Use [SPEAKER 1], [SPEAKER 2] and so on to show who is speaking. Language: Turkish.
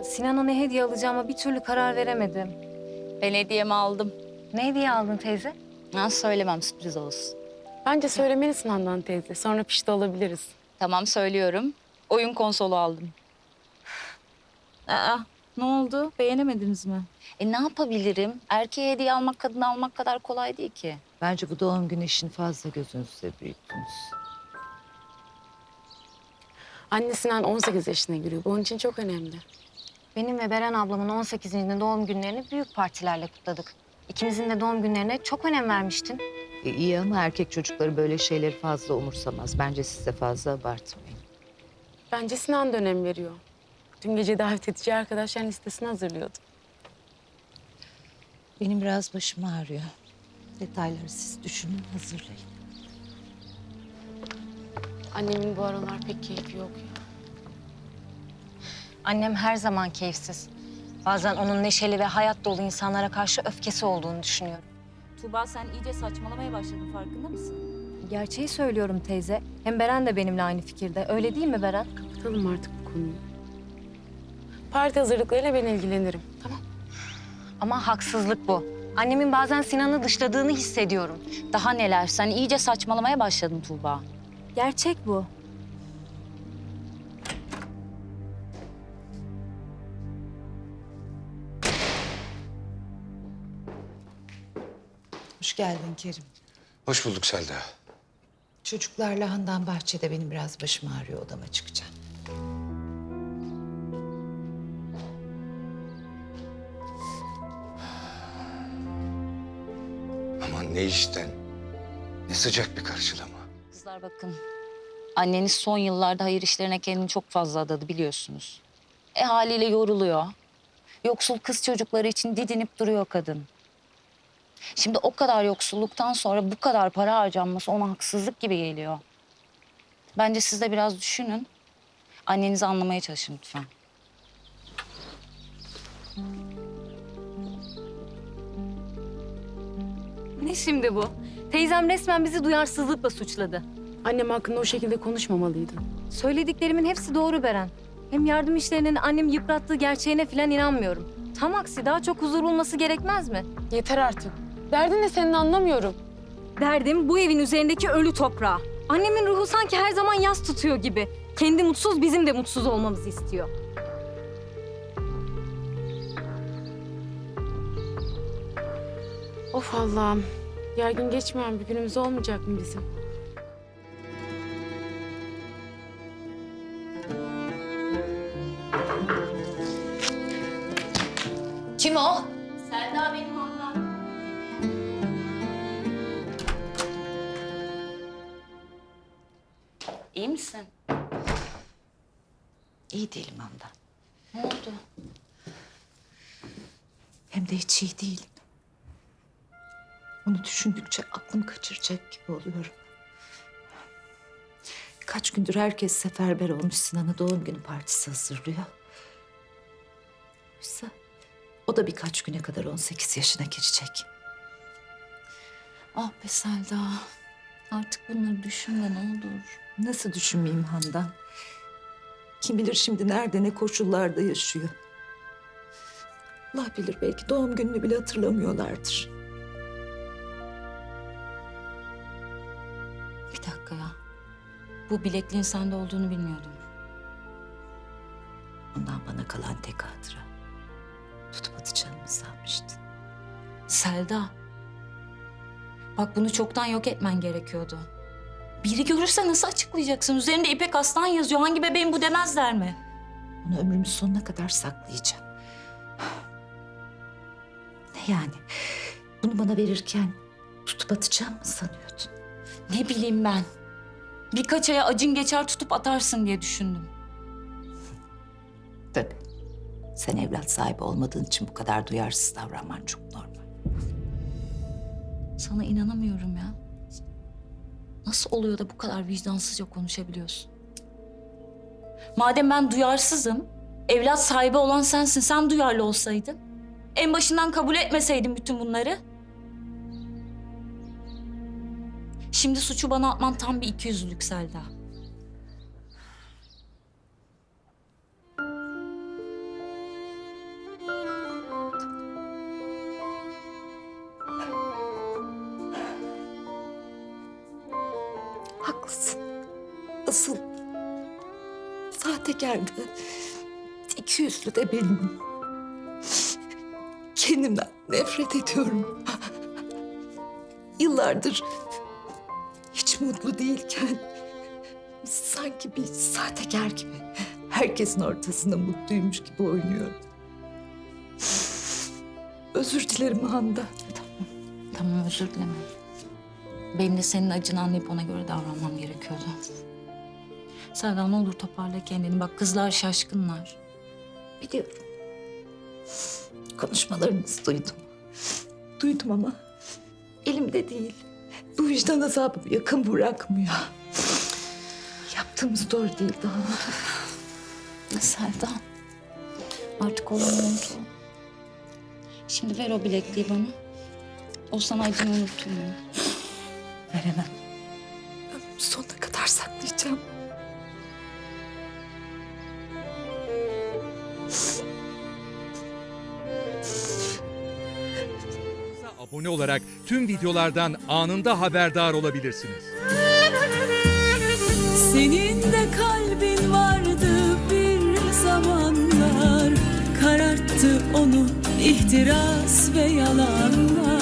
[SPEAKER 1] Sinan'a ne hediye alacağıma bir türlü karar veremedim.
[SPEAKER 2] Ben hediyemi aldım.
[SPEAKER 1] Ne hediye aldın teyze?
[SPEAKER 2] Ha, söylemem, sürpriz olsun.
[SPEAKER 3] Bence söylemelisin Handan teyze. Sonra pişti olabiliriz.
[SPEAKER 2] Tamam, söylüyorum. Oyun konsolu aldım. Aa, ne oldu? Beğenemediniz mi? Ne yapabilirim? Erkeğe hediye almak, kadına almak kadar kolay değil ki.
[SPEAKER 4] Bence bu doğum günü işini fazla gözünüzde büyüttünüz.
[SPEAKER 3] Anne Sinan 18 yaşına giriyor. Bu onun için çok önemli.
[SPEAKER 1] Benim ve Beren ablamın 18. doğum günlerini büyük partilerle kutladık. İkimizin de doğum günlerine çok önem vermiştin.
[SPEAKER 4] İyi ama erkek çocukları böyle şeyleri fazla umursamaz. Bence siz de fazla abartmayın.
[SPEAKER 3] Bence Sinan da önem veriyor. Dün gece davet edici arkadaşların listesini hazırlıyordu.
[SPEAKER 4] Benim biraz başım ağrıyor. Detayları siz düşünün, hazırlayın.
[SPEAKER 3] Annemin bu aralar pek keyfi yok ya.
[SPEAKER 1] Annem her zaman keyifsiz. Bazen onun neşeli ve hayat dolu insanlara karşı öfkesi olduğunu düşünüyorum.
[SPEAKER 2] Tuğba, sen iyice saçmalamaya başladın, farkında mısın?
[SPEAKER 1] Gerçeği söylüyorum teyze. Hem Beren de benimle aynı fikirde. Öyle değil mi Beren?
[SPEAKER 3] Kapatalım artık bu konuyu. Parti hazırlıklarıyla ben ilgilenirim. Tamam.
[SPEAKER 1] Ama haksızlık bu. Annemin bazen Sinan'ı dışladığını hissediyorum.
[SPEAKER 2] Daha neler? Sen iyice saçmalamaya başladın Tuğba.
[SPEAKER 1] Gerçek bu.
[SPEAKER 4] Hoş geldin Kerim.
[SPEAKER 5] Hoş bulduk Selda.
[SPEAKER 4] Çocuklarla Handan bahçede, benim biraz başım ağrıyor, odama çıkacağım.
[SPEAKER 5] Aman ne işten, ne sıcak bir karşılama.
[SPEAKER 2] Kızlar bakın, anneniz son yıllarda hayır işlerine kendini çok fazla adadı, biliyorsunuz. Haliyle yoruluyor. Yoksul kız çocukları için didinip duruyor kadın. Şimdi o kadar yoksulluktan sonra bu kadar para harcanması ona haksızlık gibi geliyor. Bence siz de biraz düşünün. Annenizi anlamaya çalışın lütfen.
[SPEAKER 1] Ne şimdi bu? Teyzem resmen bizi duyarsızlıkla suçladı.
[SPEAKER 3] Annem hakkında o şekilde konuşmamalıydın.
[SPEAKER 1] Söylediklerimin hepsi doğru Beren. Hem yardım işlerinin annemi yıprattığı gerçeğine falan inanmıyorum. Tam aksi daha çok huzur bulması gerekmez mi?
[SPEAKER 3] Yeter artık. Derdin ne senin, anlamıyorum.
[SPEAKER 1] Derdim bu evin üzerindeki ölü toprağı. Annemin ruhu sanki her zaman yas tutuyor gibi. Kendi mutsuz, bizim de mutsuz olmamızı istiyor.
[SPEAKER 3] Of Allah'ım. Gergin geçmeyen bir günümüz olmayacak mı bizim?
[SPEAKER 2] Kim o? Selda benim ablam. İyi misin?
[SPEAKER 4] İyi değilim Handan.
[SPEAKER 2] Ne oldu?
[SPEAKER 4] Hem de hiç iyi değilim. Onu düşündükçe aklım kaçıracak gibi oluyorum. Kaç gündür herkes seferber olmuş, Sinan'a doğum günü partisi hazırlıyor. Oysa o da birkaç güne kadar 18 yaşına girecek.
[SPEAKER 2] Ah be Selda. Artık bunları düşünme ne olur.
[SPEAKER 4] Nasıl düşünmeyeyim Handan? Kim bilir şimdi nerede, ne koşullarda yaşıyor. Allah bilir, belki doğum gününü bile hatırlamıyorlardır.
[SPEAKER 2] Bir dakika ya. Bu bilekliğin sende olduğunu bilmiyordum.
[SPEAKER 4] Ondan bana kalan tek hatıra. Tutup atacağımı sanmıştım.
[SPEAKER 2] Selda. Bak bunu çoktan yok etmen gerekiyordu. Biri görürse nasıl açıklayacaksın? Üzerinde İpek Aslan yazıyor. Hangi bebeğin bu demezler mi?
[SPEAKER 4] Onu ömrümün sonuna kadar saklayacağım. Ne yani? Bunu bana verirken tutup atacağım mı sanıyordun?
[SPEAKER 2] Ne bileyim ben. Birkaç aya acın geçer tutup atarsın diye düşündüm.
[SPEAKER 4] Tabii. Sen evlat sahibi olmadığın için bu kadar duyarsız davranman çok normal.
[SPEAKER 2] Sana inanamıyorum ya. Nasıl oluyor da bu kadar vicdansızca konuşabiliyorsun? Madem ben duyarsızım, evlat sahibi olan sensin. Sen duyarlı olsaydın. En başından kabul etmeseydin bütün bunları. Şimdi suçu bana atman tam bir ikiyüzlülük Selda.
[SPEAKER 4] Asıl sahtekar da, ikiyüzlü de benim. Kendimden nefret ediyorum. Yıllardır hiç mutlu değilken sanki bir sahtekar gibi herkesin ortasında mutluymuş gibi oynuyorum. Özür dilerim Handan.
[SPEAKER 2] Tamam, özür dileme. Benim de senin acını anlayıp ona göre davranmam gerekiyordu. Selda, ne olur toparla kendini. Bak, kızlar şaşkınlar.
[SPEAKER 4] Biliyorum. Konuşmalarınızı duydum. Duydum ama elimde değil. Bu vicdan azabı yakın bırakmıyor. Yaptığımız doğru değil daha.
[SPEAKER 2] Selda, artık olamıyor ki. Şimdi ver o bilekliği bana. O sana acını unutturmuyor.
[SPEAKER 4] Veremem. Ömrümün sonuna kadar saklayacağım.
[SPEAKER 6] Abone olarak tüm videolardan anında haberdar olabilirsiniz.
[SPEAKER 7] Senin de kalbin vardı bir zamanlar, kararttı onu ihtiras ve yalanlar.